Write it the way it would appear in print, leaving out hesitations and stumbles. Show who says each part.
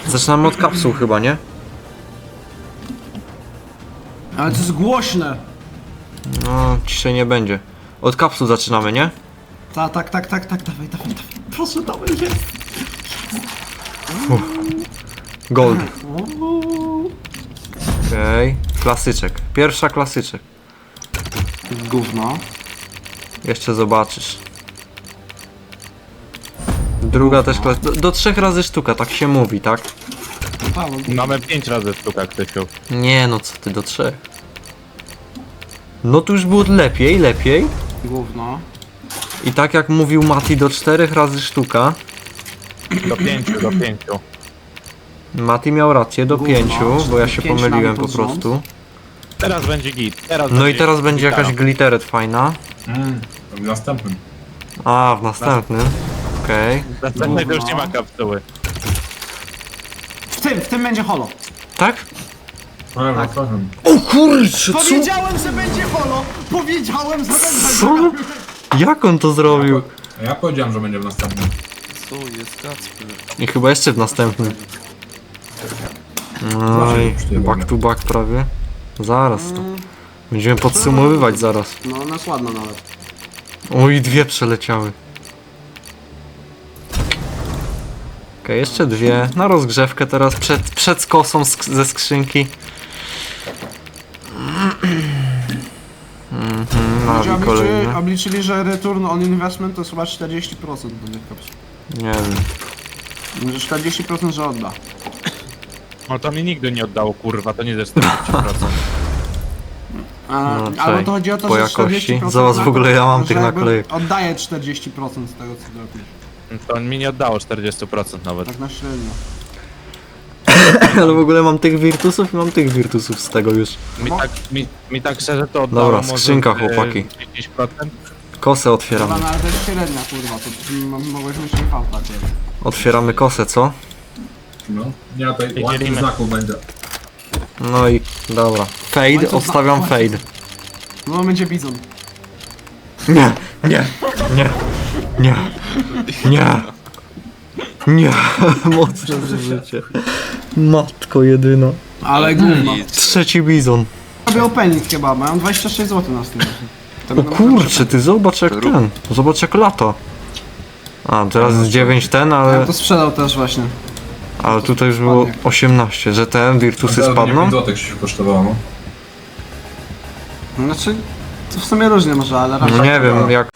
Speaker 1: Zaczynamy od kapsuł chyba, nie?
Speaker 2: Ale to jest głośne.
Speaker 1: No, ciszej nie będzie. Od kapsuł zaczynamy, nie?
Speaker 2: Tak, dawaj. Proszę, dawaj, jest.
Speaker 1: Gold. Okej. Klasyczek. Pierwsza klasyczek.
Speaker 2: Gówno.
Speaker 1: Jeszcze zobaczysz. Druga też do 3 razy sztuka, tak się mówi, tak?
Speaker 3: Mamy 5 razy sztuka, Krzysiu.
Speaker 1: Nie no, co ty, do 3. No tu już było lepiej.
Speaker 2: Gówno.
Speaker 1: I tak jak mówił Mati, do 4 razy sztuka.
Speaker 3: Do 5.
Speaker 1: Mati miał rację, do
Speaker 2: Gówno,
Speaker 1: 5, bo ja się
Speaker 2: 5
Speaker 1: pomyliłem
Speaker 2: mamy
Speaker 1: po
Speaker 2: pod rząd.
Speaker 1: prostu.
Speaker 3: Teraz będzie git.
Speaker 1: No i teraz będzie jakaś glitteret fajna.
Speaker 4: W następnym.
Speaker 1: A, w następnym. Okej.
Speaker 3: Następnej to już nie ma kapsuły.
Speaker 2: W tym będzie holo.
Speaker 1: Tak?
Speaker 4: Ale w następnym.
Speaker 1: O kurczę, co?
Speaker 2: Powiedziałem, że będzie holo! Powiedziałem, że
Speaker 1: Co?
Speaker 2: będzie.
Speaker 1: Jak on to zrobił?
Speaker 4: Ja powiedziałem, że będzie w następnym.
Speaker 5: Co jest Kacper?
Speaker 1: I chyba jeszcze w następnym. No i back to back prawie. Zaraz to. Będziemy podsumowywać zaraz.
Speaker 2: No, ona jest ładna nawet.
Speaker 1: Oj, 2 przeleciały. Okej, jeszcze 2. Na rozgrzewkę teraz, przed skosą ze skrzynki. Nawi kolejny.
Speaker 2: Obliczyli, że return on investment to jest chyba 40% do tych kapsuł.
Speaker 1: Nie wiem.
Speaker 2: Że 40% że odda.
Speaker 3: No to mi nigdy nie oddało, kurwa, to nie ze 40%.
Speaker 2: Albo
Speaker 1: czekaj,
Speaker 2: to chodzi o to,
Speaker 1: po
Speaker 2: że
Speaker 1: jakości.
Speaker 2: 40%
Speaker 1: Zobacz, w ogóle ja mam
Speaker 2: że
Speaker 1: tych
Speaker 2: jakby
Speaker 1: naklejek.
Speaker 2: Oddaje 40% z tego co robisz.
Speaker 3: To mi nie oddało 40% nawet.
Speaker 2: Tak na średnio.
Speaker 1: Ale w ogóle mam tych wirtusów i mam tych wirtusów z tego już.
Speaker 3: Mi tak szczerze to oddało
Speaker 1: Dobra,
Speaker 3: może
Speaker 1: skrzynka,
Speaker 3: z,
Speaker 1: chłopaki.
Speaker 3: 10%.
Speaker 1: Kosę otwieramy.
Speaker 2: Dobra, no ale to jest średnia kurwa, to mogłeś mieć nie fałta.
Speaker 1: Otwieramy kosę, co?
Speaker 4: No. Nie, to
Speaker 3: I
Speaker 4: ładnych
Speaker 3: dzielimy.
Speaker 4: znaków będzie.
Speaker 1: No i dobra. Fade, obstawiam fade.
Speaker 2: No będzie bizon.
Speaker 1: Nie, nie, nie, nie, nie, nie, mocne zużycie. Matko jedyna.
Speaker 2: Ale gówno.
Speaker 1: Trzeci bizon.
Speaker 2: Robię opening chyba, mają 26 zł na stole.
Speaker 1: O kurczę, ty zobacz jak ten. Zobacz jak lata. A, teraz jest 9 ten,
Speaker 2: Ja
Speaker 1: ale
Speaker 2: to sprzedał też właśnie.
Speaker 1: tutaj już było 18, że te wirtusy spadną.
Speaker 4: 5 zł się kosztowało, no.
Speaker 2: Znaczy, to w sumie różnie może, ale
Speaker 1: No
Speaker 2: raczej.
Speaker 1: nie wiem, jak